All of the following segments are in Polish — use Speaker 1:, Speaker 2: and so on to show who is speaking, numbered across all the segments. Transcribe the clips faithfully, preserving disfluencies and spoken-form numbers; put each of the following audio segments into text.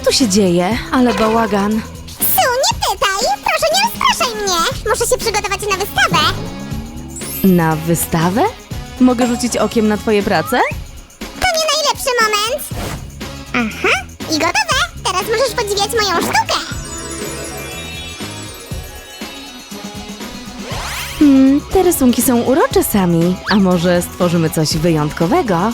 Speaker 1: tu się dzieje? Ale bałagan.
Speaker 2: Su, nie pytaj! Proszę, nie rozpraszaj mnie! Muszę się przygotować na wystawę!
Speaker 1: Na wystawę? Mogę rzucić okiem na twoje prace?
Speaker 2: To nie najlepszy moment! Aha, i gotowe! Teraz możesz podziwiać moją sztukę!
Speaker 1: Hmm, te rysunki są urocze sami. A może stworzymy coś wyjątkowego?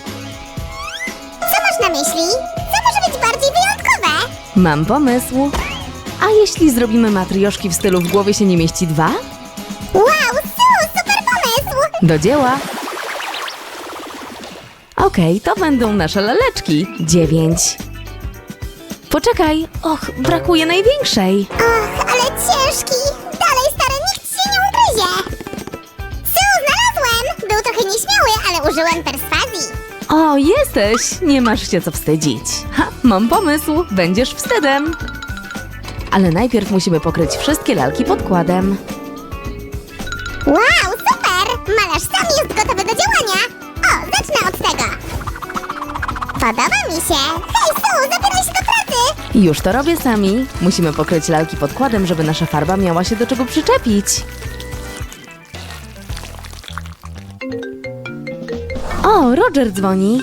Speaker 2: Co masz na myśli? Co może być bardziej wyjątkowe?
Speaker 1: Mam pomysł. A jeśli zrobimy matrioszki w stylu w głowie się nie mieści dwa?
Speaker 2: Wow, Su, super pomysł!
Speaker 1: Do dzieła! Okej, to będą nasze laleczki. Dziewięć. Poczekaj. Och, brakuje największej.
Speaker 2: Och, ale ciężki! Dalej, stary, nikt się nie ugryzie! Su, znalazłem! Był trochę nieśmiały, ale użyłem perswazji.
Speaker 1: O, jesteś! Nie masz się co wstydzić. Ha, mam pomysł. Będziesz wstydem. Ale najpierw musimy pokryć wszystkie lalki podkładem.
Speaker 2: Wow, super! Malarz sam jest gotowy do działania! O, zacznę od tego! Podoba mi się! Hej, Su, zabieraj się do pracy!
Speaker 1: Już to robię sami. Musimy pokryć lalki podkładem, żeby nasza farba miała się do czego przyczepić. O, Roger dzwoni.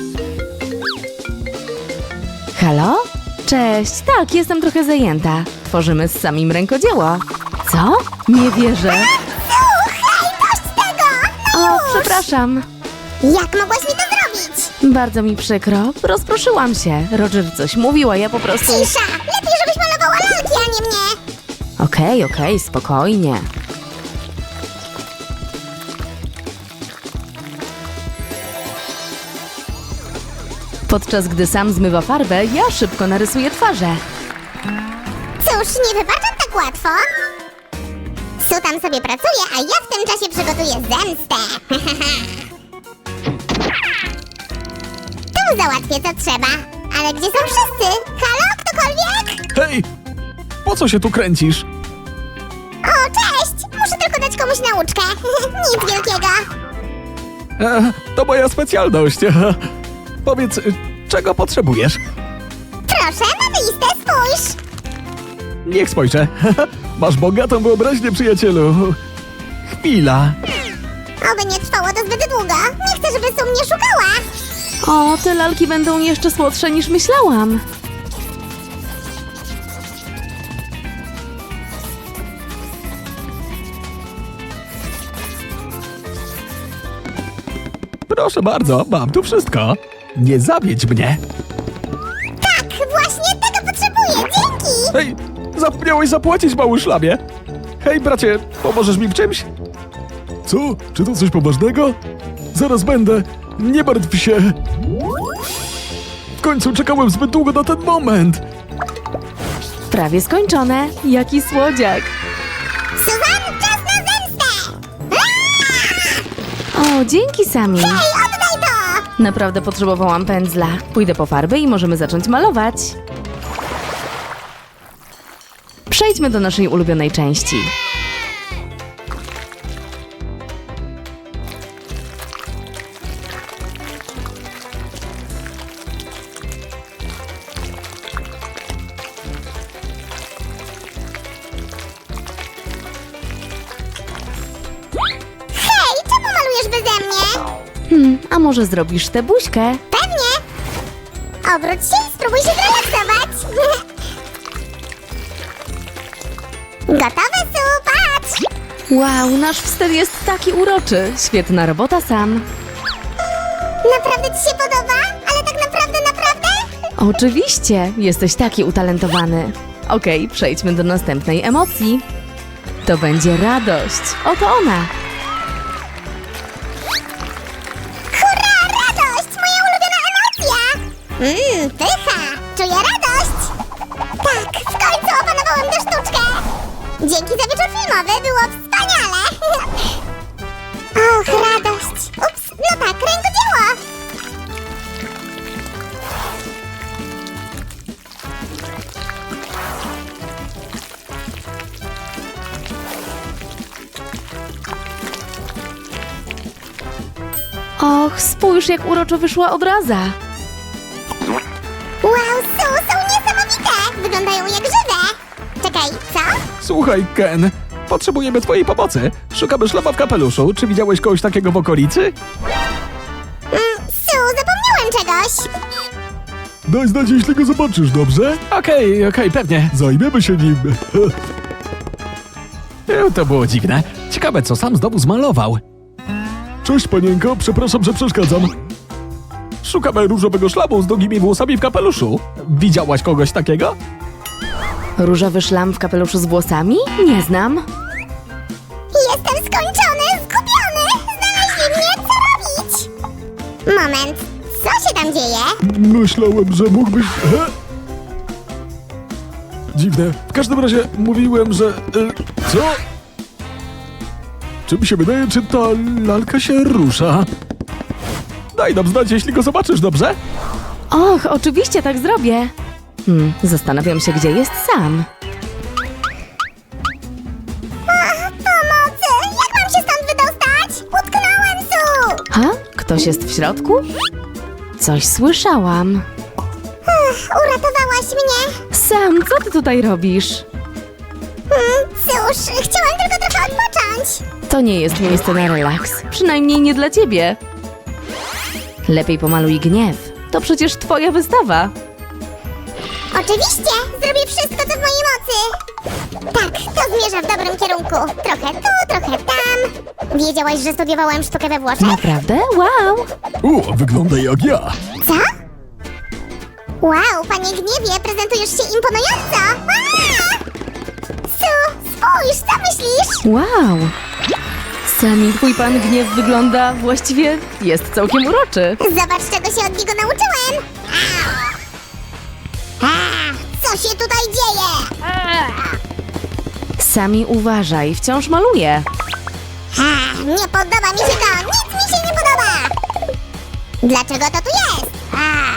Speaker 1: Halo? Cześć, tak, jestem trochę zajęta. Tworzymy z samim rękodzieło. Co? Nie wierzę.
Speaker 2: Su, hej, dość tego! No
Speaker 1: O,
Speaker 2: już!
Speaker 1: przepraszam.
Speaker 2: Jak mogłaś mi to zrobić?
Speaker 1: Bardzo mi przykro. Rozproszyłam się. Roger coś mówił, a ja po prostu...
Speaker 2: Cisza! Lepiej, żebyś malowała lalki, a nie mnie!
Speaker 1: Okej, okej, spokojnie. Podczas gdy sam zmywa farbę, ja szybko narysuję twarze.
Speaker 2: Cóż, nie wybaczam tak łatwo. Su tam sobie pracuje, a ja w tym czasie przygotuję zemstę. Tu załatwię co trzeba. Ale gdzie są wszyscy? Halo, ktokolwiek?
Speaker 3: Hej! Po co się tu kręcisz?
Speaker 2: O, cześć! Muszę tylko dać komuś nauczkę. Nic wielkiego.
Speaker 3: E, to moja specjalność. Powiedz, czego potrzebujesz?
Speaker 2: Proszę, na listę spójrz.
Speaker 3: Niech spojrzę. Masz bogatą wyobraźnię, przyjacielu. Chwila.
Speaker 2: Oby nie trwało to zbyt długo. Nie chcę, żeby Su mnie szukała.
Speaker 1: O, te lalki będą jeszcze słodsze niż myślałam.
Speaker 3: Proszę bardzo, mam tu wszystko. Nie zawiedź mnie.
Speaker 2: Tak, właśnie tego potrzebuję. Dzięki.
Speaker 3: Hej, zapomniałeś zapłacić, mały szlamie. Hej, bracie, pomożesz mi w czymś? Co? Czy to coś poważnego? Zaraz będę. Nie martw się. W końcu czekałem zbyt długo na ten moment.
Speaker 1: Prawie skończone. Jaki słodziak.
Speaker 2: Suzan, czas na zemstę. Aaa!
Speaker 1: O, dzięki Sami.
Speaker 2: Hej, oddaj to.
Speaker 1: Naprawdę potrzebowałam pędzla. Pójdę po farby i możemy zacząć malować. Przejdźmy do naszej ulubionej części.
Speaker 2: Hej, czemu malujesz beze mnie?
Speaker 1: Hmm, a może zrobisz tę buźkę?
Speaker 2: Pewnie. Obróć się i spróbuj się zrelaksować. Gotowe, Su, patrz.
Speaker 1: Wow, nasz wstęp jest taki uroczy. Świetna robota, Sam.
Speaker 2: Naprawdę ci się podoba? Ale tak naprawdę, naprawdę?
Speaker 1: Oczywiście, jesteś taki utalentowany. Okej, przejdźmy do następnej emocji. To będzie radość. Oto ona.
Speaker 2: Hurra, radość! Moja ulubiona emocja! Mmm, pycha! Czuję radość! Tak, w końcu opanowałem tę sztuczkę! Dzięki za wieczór filmowy, było wspaniale! Och, radość! Ups, no tak, rękodzieło!
Speaker 1: Och, spójrz, jak uroczo wyszła obraza.
Speaker 2: Wow, są, są niesamowite! wyglądają jak żywe. Czekaj, co?
Speaker 3: Słuchaj, Ken, potrzebujemy twojej pomocy. Szukamy szlaba w kapeluszu. Czy widziałeś kogoś takiego w okolicy?
Speaker 2: Mm, Su, zapomniałem czegoś.
Speaker 3: Daj znać, jeśli go zobaczysz, dobrze? Okej, okej, pewnie. Zajmiemy się nim. To było dziwne. Ciekawe, co sam znowu zmalował. Cześć, panienko, przepraszam, że przeszkadzam. Szukamy różowego szlabu z długimi włosami w kapeluszu. Widziałaś kogoś takiego?
Speaker 1: Różowy szlam w kapeluszu z włosami? Nie znam.
Speaker 2: Jestem skończony, zgubiony. Znaleźli mnie, co robić? Moment, co się tam dzieje?
Speaker 3: Myślałem, że mógłbyś... He? Dziwne. W każdym razie mówiłem, że... E, co? Czy mi się wydaje, czy ta lalka się rusza? Daj nam znać, jeśli go zobaczysz, dobrze?
Speaker 1: Och, oczywiście tak zrobię. Hmm, zastanawiam się, gdzie jest Sam.
Speaker 2: Pomocy! Jak mam się stąd wydostać? Utknąłem, Su!
Speaker 1: Ha? Ktoś jest w środku? Coś słyszałam.
Speaker 2: Ech, uratowałaś mnie.
Speaker 1: Sam, co ty tutaj robisz?
Speaker 2: Hmm, cóż, chciałam tylko trochę odpocząć.
Speaker 1: To nie jest miejsce na relaks. Przynajmniej nie dla ciebie. Lepiej pomaluj gniew. To przecież twoja wystawa.
Speaker 2: Oczywiście, zrobię wszystko, co w mojej mocy. Tak, to zmierza w dobrym kierunku. Trochę tu, trochę tam. Wiedziałaś, że studiowałem sztukę we Włoszech?
Speaker 1: Naprawdę? Wow!
Speaker 3: O, wygląda jak ja.
Speaker 2: Co? Wow, panie Gniewie, prezentujesz się imponująco. Aaa! Su, spójrz, co myślisz?
Speaker 1: Wow! Sami twój pan gniew wygląda właściwie jest całkiem uroczy.
Speaker 2: Zobacz, czego się od niego nauczyłem. Au! A, co się tutaj dzieje?
Speaker 1: Sami uważaj, wciąż maluję.
Speaker 2: A, nie podoba mi się to, nic mi się nie podoba. Dlaczego to tu jest? A.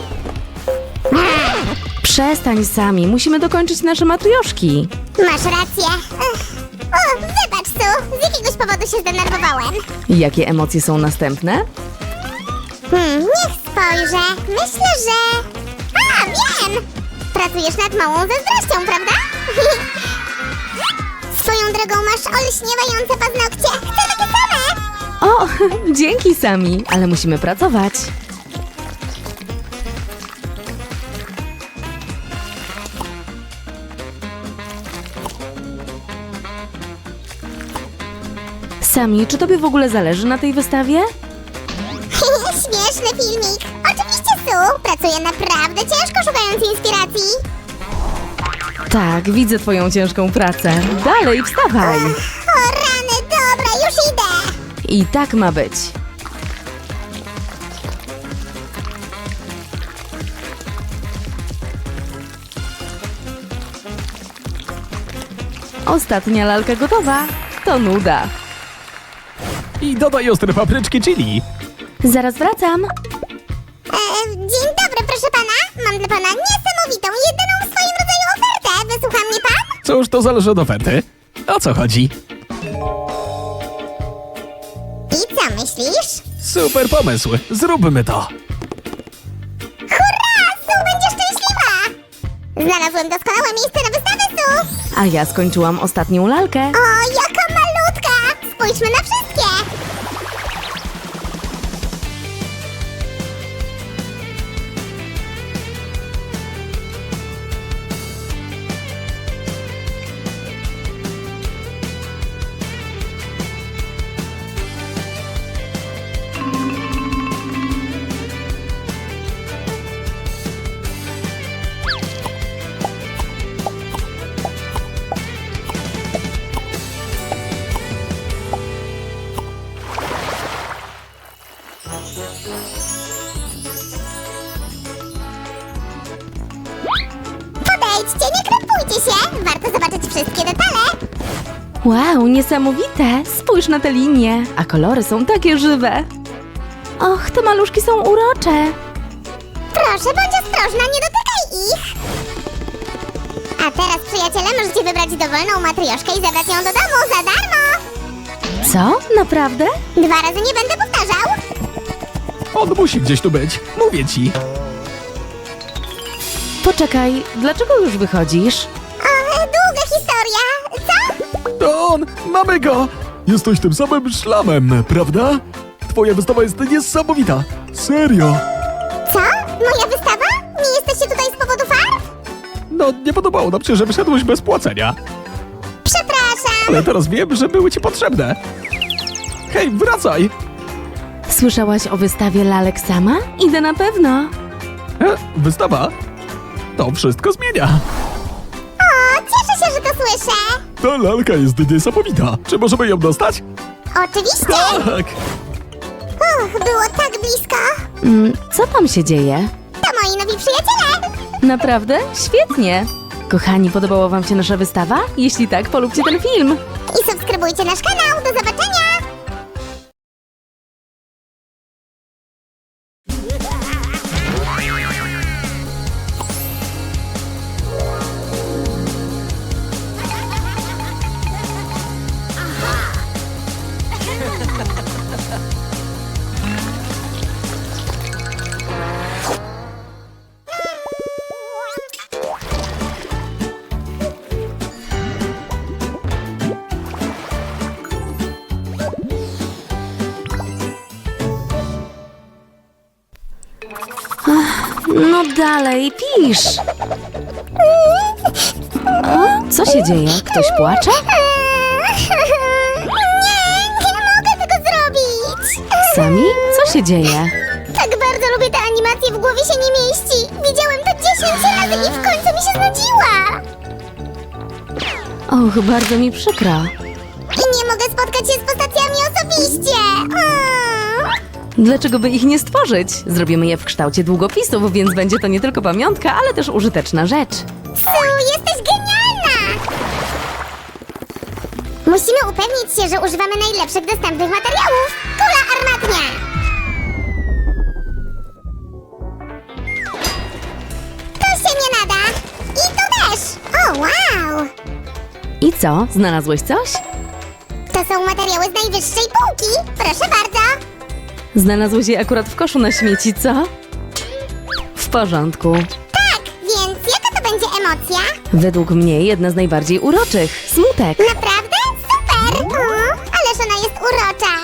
Speaker 2: A.
Speaker 1: Przestań Sami, musimy dokończyć nasze matrioszki.
Speaker 2: Masz rację. Ech. O, wybacz, Su, z jakiegoś powodu się zdenerwowałem.
Speaker 1: Jakie emocje są następne?
Speaker 2: Hmm, niech spojrzę. Myślę, że... A, wiem! Pracujesz nad małą zazdrością, prawda? Swoją drogą masz olśniewające paznokcie. Chcę takie same!
Speaker 1: O, dzięki Sami, ale musimy pracować. Sami, czy tobie w ogóle zależy na tej wystawie?
Speaker 2: Śmieszny filmik. Oczywiście, Su. Pracuję naprawdę ciężko, szukając inspiracji.
Speaker 1: Tak, widzę twoją ciężką pracę. Dalej, wstawaj!
Speaker 2: O rany, dobra, już idę.
Speaker 1: I tak ma być. Ostatnia lalka gotowa. To nuda.
Speaker 3: I dodaj ostre papryczki chili.
Speaker 1: Zaraz wracam.
Speaker 2: E, dzień dobry, proszę pana. Mam dla pana niesamowitą, jedyną w swoim rodzaju ofertę. Wysłucha mnie pan?
Speaker 3: Cóż, to zależy od oferty. O co chodzi?
Speaker 2: I co myślisz?
Speaker 3: Super pomysł. Zróbmy to.
Speaker 2: Hurra! Su będzie szczęśliwa! Znalazłem doskonałe miejsce na wystawę, Su!
Speaker 1: A ja skończyłam ostatnią lalkę.
Speaker 2: O, jaka malutka! Spójrzmy na wszystkie! Podejdźcie, nie krępujcie się! Warto zobaczyć wszystkie detale!
Speaker 1: Wow, niesamowite! Spójrz na te linie, a kolory są takie żywe. Och, te maluszki są urocze.
Speaker 2: Proszę, bądź ostrożna, nie dotykaj ich! A teraz, przyjaciele, możecie wybrać dowolną matrioszkę i zabrać ją do domu za darmo!
Speaker 1: Co? Naprawdę?
Speaker 2: Dwa razy nie będę powtarzał!
Speaker 3: On musi gdzieś tu być. Mówię ci.
Speaker 1: Poczekaj, dlaczego już wychodzisz?
Speaker 2: O, długa historia. Co?
Speaker 3: To on! Mamy go! Jesteś tym samym szlamem, prawda? Twoja wystawa jest niesamowita! Serio!
Speaker 2: Co? Moja wystawa? Nie jesteście tutaj z powodu farb?
Speaker 3: No, nie podobało nam się, że wyszedłeś bez płacenia.
Speaker 2: Przepraszam.
Speaker 3: Ale teraz wiem, że były ci potrzebne. Hej, wracaj!
Speaker 1: Słyszałaś o wystawie lalek sama? Idę na pewno.
Speaker 3: E, wystawa? To wszystko zmienia.
Speaker 2: O, cieszę się, że to słyszę.
Speaker 3: Ta lalka jest niesamowita. Czy możemy ją dostać?
Speaker 2: Oczywiście.
Speaker 3: Tak!
Speaker 2: Uch, było tak blisko.
Speaker 1: Mm, co tam się dzieje?
Speaker 2: To moi nowi przyjaciele.
Speaker 1: Naprawdę? Świetnie! Kochani, podobała wam się nasza wystawa? Jeśli tak, polubcie ten film.
Speaker 2: I subskrybujcie nasz kanał. Do zobaczenia.
Speaker 1: No dalej, pisz! O, co się dzieje? Ktoś płacze?
Speaker 2: Nie, nie mogę tego zrobić.
Speaker 1: Sami? Co się dzieje?
Speaker 2: Tak bardzo lubię tę animację, w głowie się nie mieści. Widziałem to dziesięć razy i w końcu mi się znudziła.
Speaker 1: Och, bardzo mi przykro.
Speaker 2: I nie mogę spotkać się z postaciami osobiście. Mm.
Speaker 1: Dlaczego by ich nie stworzyć? Zrobimy je w kształcie długopisów, więc będzie to nie tylko pamiątka, ale też użyteczna rzecz.
Speaker 2: Su, jesteś genialna! Musimy upewnić się, że używamy najlepszych dostępnych materiałów. Kula armatnia! To się nie nada. I to też. O, wow!
Speaker 1: I co? Znalazłeś coś?
Speaker 2: To są materiały z najwyższej półki. Proszę bardzo.
Speaker 1: Znalazłeś je akurat w koszu na śmieci, co? W porządku.
Speaker 2: Tak, więc jaka to będzie emocja?
Speaker 1: Według mnie jedna z najbardziej uroczych. Smutek.
Speaker 2: Naprawdę? Super! O, ależ ona jest urocza.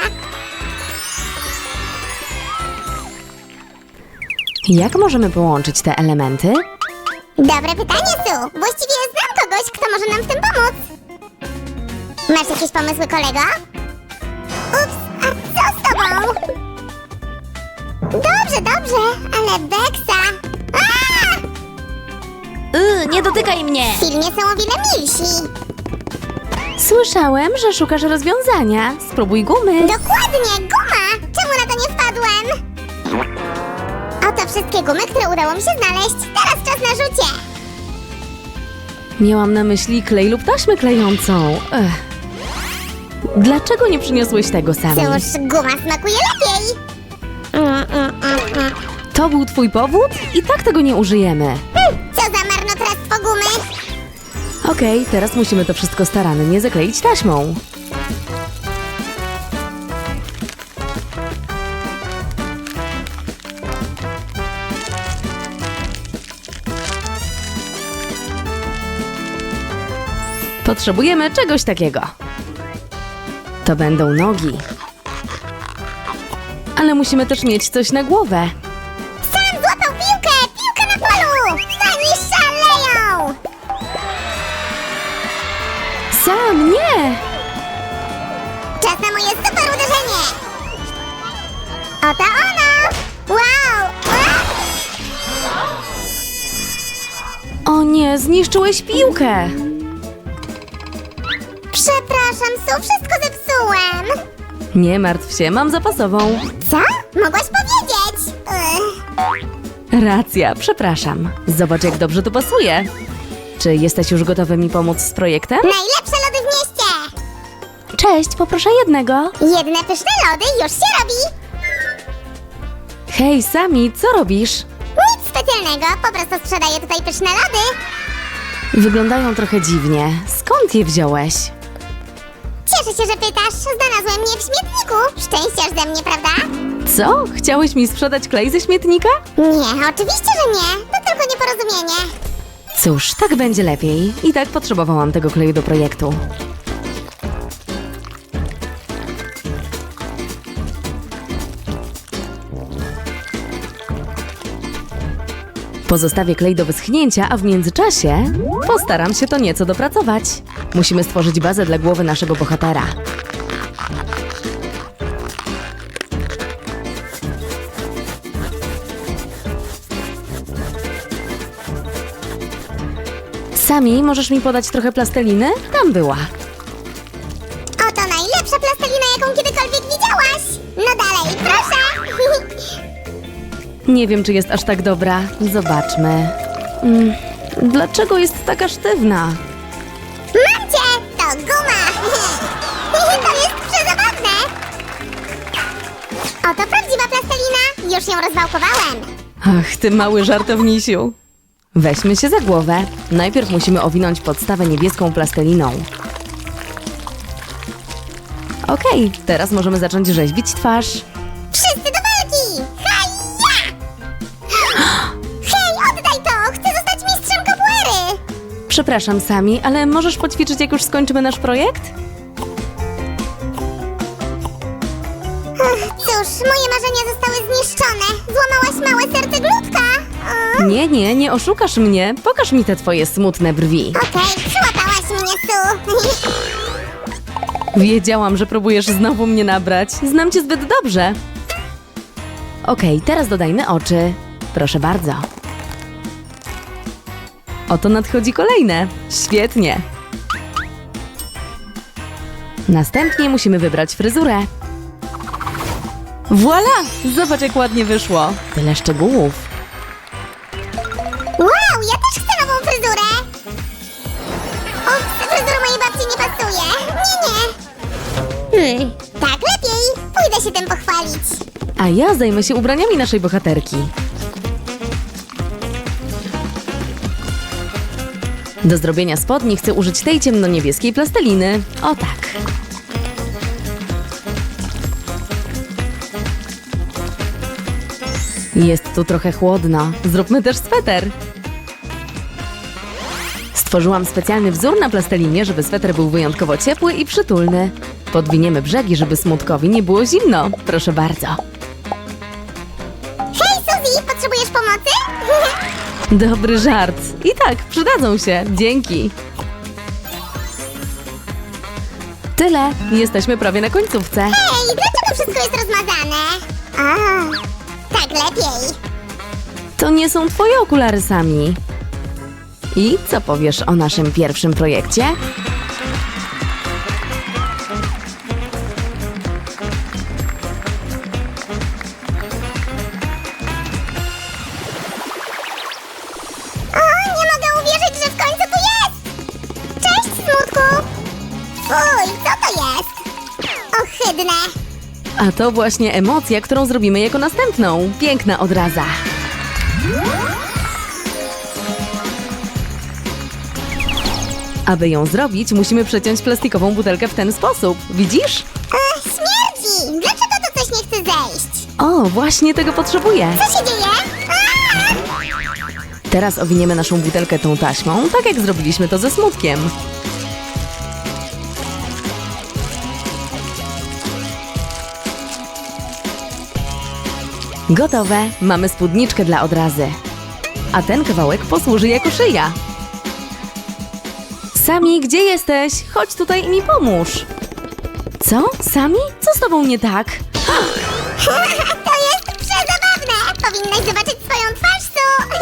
Speaker 1: Jak możemy połączyć te elementy?
Speaker 2: Dobre pytanie, Su. Właściwie znam kogoś, kto może nam w tym pomóc. Masz jakieś pomysły, kolego? Ups, a co z tobą? Dobrze, dobrze, ale Beksa... A!
Speaker 1: Yy, nie dotykaj mnie!
Speaker 2: W filmie są o wiele milsi.
Speaker 1: Słyszałem, że szukasz rozwiązania. Spróbuj gumy.
Speaker 2: Dokładnie, guma! Czemu na to nie wpadłem? Oto wszystkie gumy, które udało mi się znaleźć. Teraz czas na rzucie.
Speaker 1: Miałam na myśli klej lub taśmę klejącą. Ech. Dlaczego nie przyniosłeś tego sami?
Speaker 2: Cóż, guma smakuje lepiej. Mm, mm, mm, mm.
Speaker 1: To był twój powód? I tak tego nie użyjemy.
Speaker 2: Co za marnotrawstwo gumy.
Speaker 1: Okej, teraz musimy to wszystko starannie zakleić taśmą. Potrzebujemy czegoś takiego. To będą nogi. Ale musimy też mieć coś na głowę.
Speaker 2: Sam złapał piłkę! Piłka na polu! Oni szaleją!
Speaker 1: Sam, nie!
Speaker 2: Czas na moje super uderzenie! Oto ono! Wow! A!
Speaker 1: O nie, zniszczyłeś piłkę!
Speaker 2: Przepraszam, Su, wszystko zepsułem!
Speaker 1: Nie martw się, mam zapasową.
Speaker 2: Co? Mogłaś powiedzieć? Ugh.
Speaker 1: Racja, przepraszam. Zobacz, jak dobrze to pasuje. Czy jesteś już gotowy mi pomóc z projektem?
Speaker 2: Najlepsze lody w mieście!
Speaker 1: Cześć, poproszę jednego.
Speaker 2: Jedne pyszne lody już się robi!
Speaker 1: Hej, Sami, co robisz?
Speaker 2: Nic specjalnego, po prostu sprzedaję tutaj pyszne lody.
Speaker 1: Wyglądają trochę dziwnie. Skąd je wziąłeś?
Speaker 2: Cieszę się, że pytasz. Znalazłem je w śmietniku. Szczęściarz ze mnie, prawda?
Speaker 1: Co? Chciałeś mi sprzedać klej ze śmietnika?
Speaker 2: Nie, oczywiście, że nie. To tylko nieporozumienie.
Speaker 1: Cóż, tak będzie lepiej. I tak potrzebowałam tego kleju do projektu. Pozostawię klej do wyschnięcia, a w międzyczasie postaram się to nieco dopracować. Musimy stworzyć bazę dla głowy naszego bohatera. Sami, możesz mi podać trochę plasteliny? Tam była.
Speaker 2: Oto najlepsza plastelina, jaką kiedykolwiek widziałaś. No dalej, proszę.
Speaker 1: Nie wiem, czy jest aż tak dobra. Zobaczmy. Mm, dlaczego jest taka sztywna?
Speaker 2: Mam cię! To guma! To jest przezabawne! Oto prawdziwa plastelina! Już ją rozwałkowałem!
Speaker 1: Ach, ty mały żartownisiu. Weźmy się za głowę. Najpierw musimy owinąć podstawę niebieską plasteliną. Okej, teraz możemy zacząć rzeźbić twarz.
Speaker 2: Wszyscy do walki! Haja! Hej, oddaj to! Chcę zostać mistrzem capoeiry!
Speaker 1: Przepraszam, Sami, ale możesz poćwiczyć, jak już skończymy nasz projekt?
Speaker 2: Ach, cóż, moje marzenia zostały zniszczone. Złamałaś małe serce Glutka. O,
Speaker 1: Nie, nie, nie oszukasz mnie. Pokaż mi te twoje smutne brwi.
Speaker 2: Okej, przyłapałaś mnie, Su.
Speaker 1: Wiedziałam, że próbujesz znowu mnie nabrać. Znam cię zbyt dobrze. Okej, teraz dodajmy oczy. Proszę bardzo. Oto nadchodzi kolejne. Świetnie. Następnie musimy wybrać fryzurę. Voila! Zobacz, jak ładnie wyszło. Tyle szczegółów.
Speaker 2: Wow, ja też chcę nową fryzurę! Ups, fryzura mojej babci nie pasuje. Nie, nie. Hmm, tak lepiej. Pójdę się tym pochwalić.
Speaker 1: A ja zajmę się ubraniami naszej bohaterki. Do zrobienia spodni chcę użyć tej ciemno-niebieskiej plasteliny. O tak. Jest tu trochę chłodno. Zróbmy też sweter. Stworzyłam specjalny wzór na plastelinie, żeby sweter był wyjątkowo ciepły i przytulny. Podwiniemy brzegi, żeby Smutkowi nie było zimno. Proszę bardzo.
Speaker 2: Hej, Suzy, potrzebujesz pomocy?
Speaker 1: Dobry żart. I tak, przydadzą się. Dzięki. Tyle. Jesteśmy prawie na końcówce.
Speaker 2: Hej, dlaczego wszystko jest rozmazane? A, tak lepiej.
Speaker 1: To nie są twoje okulary, Sami. I co powiesz o naszym pierwszym projekcie?
Speaker 2: O, nie mogę uwierzyć, że w końcu tu jest! Cześć, Smutku! Fuj, co to jest? Ohydne!
Speaker 1: A to właśnie emocja, którą zrobimy jako następną. Piękna odraza. Aby ją zrobić, musimy przeciąć plastikową butelkę w ten sposób. Widzisz?
Speaker 2: Ach, śmierdzi! Dlaczego to coś nie chce zejść?
Speaker 1: O, właśnie tego potrzebuję.
Speaker 2: Co się dzieje? Aaa!
Speaker 1: Teraz owiniemy naszą butelkę tą taśmą, tak jak zrobiliśmy to ze Smutkiem. Gotowe. Mamy spódniczkę dla odrazy. A ten kawałek posłuży jako szyja. Sami, gdzie jesteś? Chodź tutaj i mi pomóż. Co? Sami? Co z tobą nie tak?
Speaker 2: To jest przezabawne! Powinnaś zobaczyć swoją twarz, Su!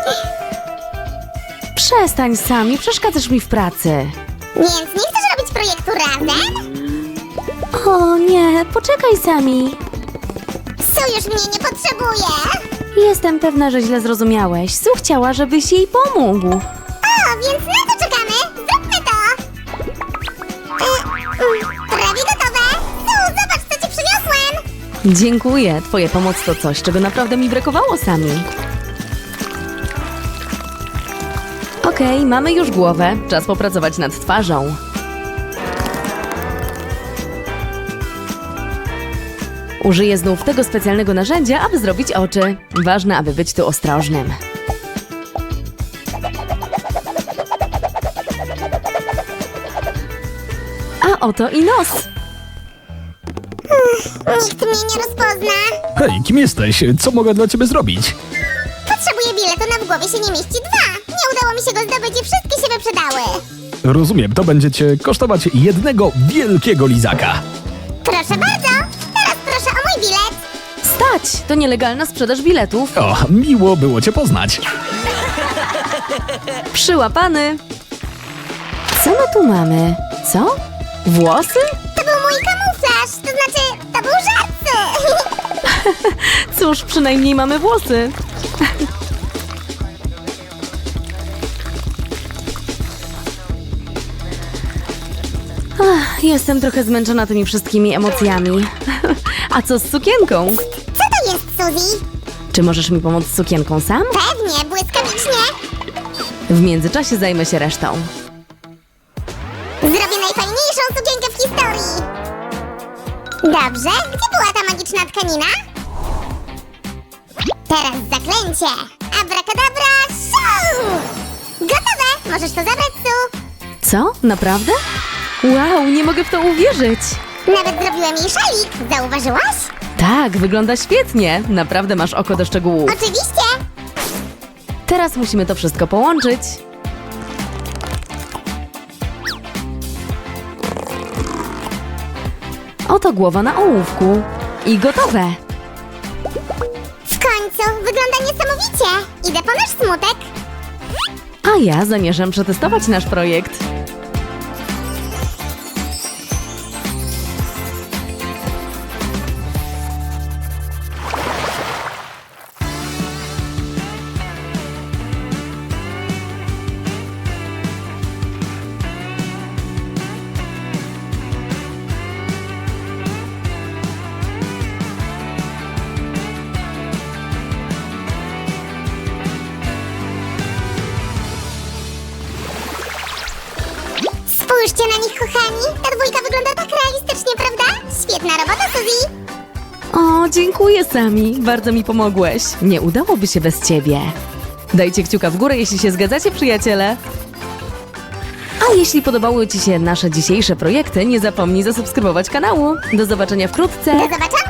Speaker 1: Przestań, Sami, przeszkadzasz mi w pracy.
Speaker 2: Więc nie chcesz robić projektu razem?
Speaker 1: O nie, poczekaj, Sami.
Speaker 2: Su już mnie nie potrzebuje!
Speaker 1: Jestem pewna, że źle zrozumiałeś. Su chciała, żebyś jej pomógł.
Speaker 2: O, więc na co czekamy? Zróbmy to! E, mm, prawie gotowe! Su, zobacz, co ci przyniosłem!
Speaker 1: Dziękuję. Twoja pomoc to coś, czego naprawdę mi brakowało, Sami. Okej, mamy już głowę. Czas popracować nad twarzą. Użyję znów tego specjalnego narzędzia, aby zrobić oczy. Ważne, aby być tu ostrożnym. A oto i nos.
Speaker 2: Nikt mnie nie rozpozna.
Speaker 3: Hej, kim jesteś? Co mogę dla ciebie zrobić?
Speaker 2: Potrzebuję biletu, na w głowie się nie mieści dwa. Nie udało mi się go zdobyć i wszystkie się wyprzedały.
Speaker 3: Rozumiem, to będzie cię kosztować jednego wielkiego lizaka.
Speaker 2: Proszę bardzo. Teraz proszę o mój bilet.
Speaker 1: Stać! To nielegalna sprzedaż biletów.
Speaker 3: O, miło było cię poznać.
Speaker 1: Przyłapany. Co my tu mamy? Co? Włosy?
Speaker 2: To był mój kamuflaż. To znaczy, to był żart.
Speaker 1: Cóż, przynajmniej mamy włosy. Ach, jestem trochę zmęczona tymi wszystkimi emocjami. A co z sukienką?
Speaker 2: Co to jest, Suzy?
Speaker 1: Czy możesz mi pomóc z sukienką sam?
Speaker 2: Pewnie, błyskawicznie.
Speaker 1: W międzyczasie zajmę się resztą.
Speaker 2: Zrobię najfajniejszą sukienkę w historii. Dobrze, gdzie była ta magiczna tkanina? Teraz zaklęcie. Abracadabra, show! Gotowe! Możesz to zabrać, Su.
Speaker 1: Co? Naprawdę? Wow, nie mogę w to uwierzyć.
Speaker 2: Nawet zrobiłem jej szalik. Zauważyłaś?
Speaker 1: Tak, wygląda świetnie. Naprawdę masz oko do szczegółów.
Speaker 2: Oczywiście.
Speaker 1: Teraz musimy to wszystko połączyć. Oto głowa na ołówku. I gotowe.
Speaker 2: W końcu, wygląda niesamowicie. Idę po nasz smutek.
Speaker 1: A ja zamierzam przetestować nasz projekt.
Speaker 2: Spójrzcie na nich, kochani. Ta dwójka wygląda tak realistycznie, prawda? Świetna robota, Suzy.
Speaker 1: O, dziękuję, Sami. Bardzo mi pomogłeś. Nie udałoby się bez ciebie. Dajcie kciuka w górę, jeśli się zgadzacie, przyjaciele. A jeśli podobały ci się nasze dzisiejsze projekty, nie zapomnij zasubskrybować kanału. Do zobaczenia wkrótce.
Speaker 2: Do zobaczenia.